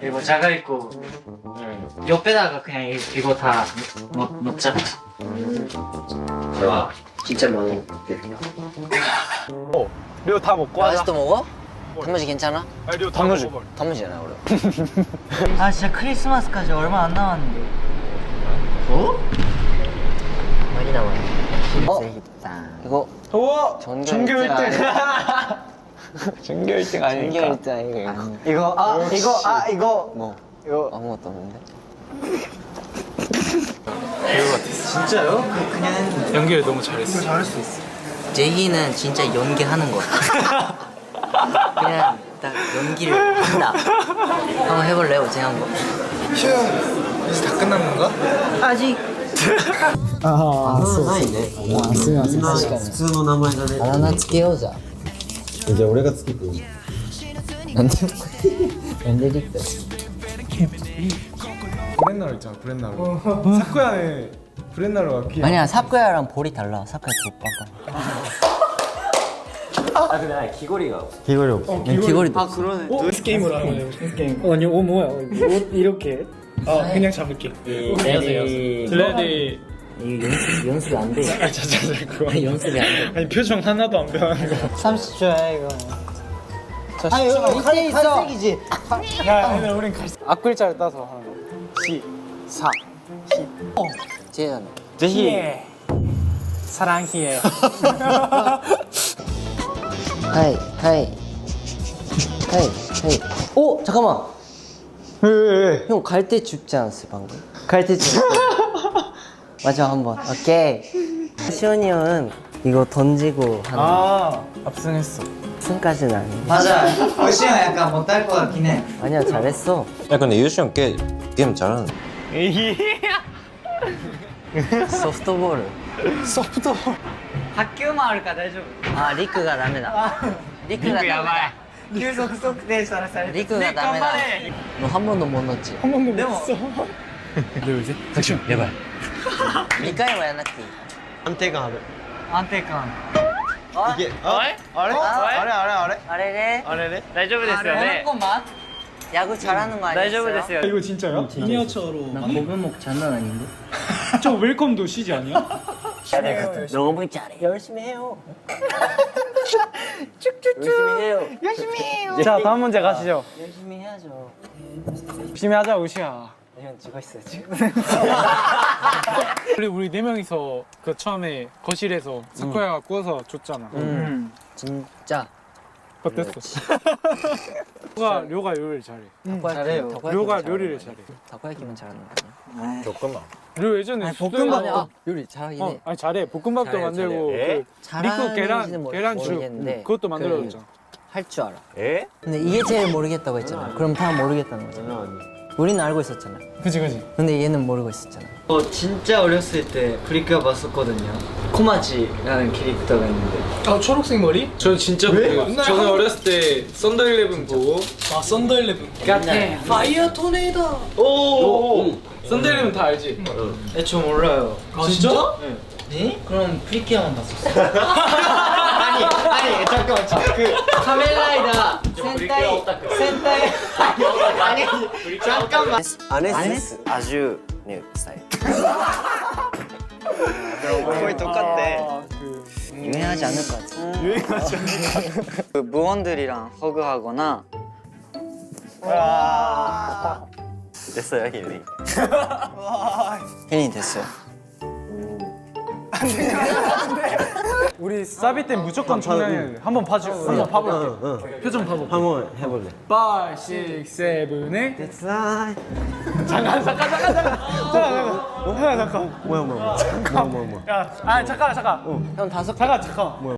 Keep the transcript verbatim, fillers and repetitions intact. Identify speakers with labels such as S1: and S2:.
S1: 이거 자가 있고 옆에다가 그냥 이, 이거 다 넣, 넣자.
S2: 와 진짜 많아.
S3: 어, 료 다 먹고 하자.
S2: 아직도 먹어? 단무지 괜찮아?
S3: 아, 료 단무지.
S2: 단무지잖아 우리.
S1: 아 진짜 크리스마스까지 얼마 안 남았는데. 어?
S2: 많이 남았네. 어? 이거
S3: 우와!
S2: 전교
S3: 전교 일 등.
S2: 일 등.
S3: 전교 일 등 아니니까.
S2: 전교 일 등 이거.
S3: 이거 아 이거 아 이거
S2: 뭐?
S3: 이거
S2: 아무것도 없는데?
S1: 진짜요? 그 그냥
S4: 연기를 너무 잘했어.
S1: 잘할 수 있어.
S2: 제희는 진짜 연기하는 거 같아. 그냥 딱 연기를 한다. 한번 해볼래요? 제가 한번.
S4: 이제 다 끝난 건가?
S1: 아직
S2: 아,そうないね。あ、すみません。確かに。普通の名前だね。あだ名つけようじゃ。じゃあ俺がつけていい？なんで？なんでリップ？
S4: 브렛나루 있잖아, 브렛나루. 사쿠야는 브렛나루가 귀여워.
S2: 아니야, 사쿠야랑 볼이 달라. 사쿠야 오빠가.
S3: 아 근데 아니 귀걸이가
S2: 귀걸이 없어. 귀걸이도
S1: 아
S2: 없어.
S1: 그러네.
S4: 댄스 게임으로 하면 돼, 댄스 게임. 아니, 어 뭐야? 옷 이렇게. 아 그냥 잡을게.
S2: 안녕하세요.
S4: 블레디.
S2: 이거 연습 연습이 안 돼.
S4: 아 자자자 그거.
S2: 연습이 안 돼.
S4: 아니 표정 하나도 안 변하는 거.
S1: 삼십 초야 이거.
S4: 자,
S1: 아 여기 밑에 있어. 갈색이지.
S4: 야, 근데 우린 갈. 앞글자를 따서 하는 거. 시, 사, 히.
S2: 제이잖아.
S4: 제히. 사랑히에.
S2: 하이 하이 하이 하이. 오 잠깐만.
S4: 왜?
S2: 형 갈 때 줍지 않았어 방금? 갈 때 줍. 마지막 한 번. 오케이. 시원이 형은 이거 던지고 하는.
S4: 아, 압승했어.
S2: 승까지는 아니야.
S1: 맞아. 어시형 약간 못할 것 같긴 해.
S2: 아니야 잘했어.
S5: 야 근데 유시 형 꽤 게임 잘하는데.
S2: 소프트볼.
S4: 소프트.
S1: 학교 마을까 다이죠.
S2: 아 리크가 다메다. 리크가 다메다.
S1: 계속測定されされて
S2: 리크가 다메다. 너 한 번도 못 넣었지?
S4: 한 번도
S1: 네,
S4: 못
S1: 뭐.
S4: 써. 둘, 셋, 액션. 예발.
S2: 이回はやんなくていい。
S1: 安定感。
S3: 이게 어? 아래? 아래? 아래 아래 아래?
S2: 아래래.
S3: 아래래?
S1: 大丈夫ですよね。한 번만.
S2: 야구 잘하는 거 아니었어요?
S1: 大丈夫ですよ。
S4: 이거 진짜야? 미니어처로.
S2: 나 고변목 장난 아닌데?
S4: 저 웰컴도 시지 아니야?
S2: 너무 잘해. 열심히 해요. 열심히 해요.
S1: 열심히 해요.
S4: 자, 다음 문제 가시죠.
S2: 열심히 해야죠.
S4: 열심히 하자, 우시야.
S2: 형 죽어 있어요 지금.
S4: 원래 우리 네 명이서 그 처음에 거실에서 사쿠야가 구워서 줬잖아.
S2: 음. 진짜.
S4: 어땠어? 료가 료가 요리를 잘해.
S1: 잘해요.
S4: 료가 요리를 잘해.
S2: 다코야키만 잘하는 거 아니야?
S5: 볶음밥.
S4: 료 예전에
S2: 아니,
S4: 수도-
S2: 볶음밥 아, 요리 잘하긴
S4: 어,
S2: 해.
S4: 아니 잘해. 볶음밥도
S5: 잘해,
S4: 만들고
S5: 잘해.
S4: 그
S2: 잘하는지는
S4: 리코 계란
S2: 모-
S4: 계란죽
S2: 모르겠는데
S4: 그것도 만들어줬잖아.
S2: 할 줄 알아.
S5: 에?
S2: 근데 이게 제일 모르겠다고 했잖아. 그럼 다 모르겠다는 거잖아. 우리는 알고 있었잖아.
S4: 그지 그지.
S2: 근데 얘는 모르고 있었잖아.
S1: 저 진짜 어렸을 때 프리큐어 봤었거든요. 코마지라는 캐릭터가 있는데.
S4: 아 초록색 머리? 저는 진짜 모르겠어요. 저는 어렸을 때 썬더 일레븐 보고 아 썬더 일레븐 같아. 파이어 토네이도. 오. 썬더 일레븐 다 알지?
S1: 네, 저 몰라요.
S4: 아, 진짜?
S1: 네. 네? 그럼 프리큐어만 봤었어요. 아니, 아니, 잠깐만. 저, 그 카멜라이다 센타이 센타이 아니, 아니, 잠깐만.
S2: 아네스
S5: 아주 네 스타일.
S3: 거의 똑같대.
S4: 그
S2: 유행하지 않을 것 같아.
S1: 그 무원들이랑 허그하거나
S5: 됐어요 힐리.
S2: 혜린이 됐어요.
S4: 우리 사비 때 무조건 청량해. 한번 봐줘. 한번 봐볼게. 표정 봐볼게.
S3: 한번 해볼래.
S4: 오, 육, 칠, 팔.
S3: It's like
S4: 잠깐 잠깐 잠깐 잠깐. 잠깐 잠깐. 잠깐 잠깐.
S3: 뭐야 뭐야 뭐야. 뭐야 뭐야 뭐야.
S4: 야, 아 잠깐 잠깐.
S2: 형 다섯
S4: 잠깐 잠깐.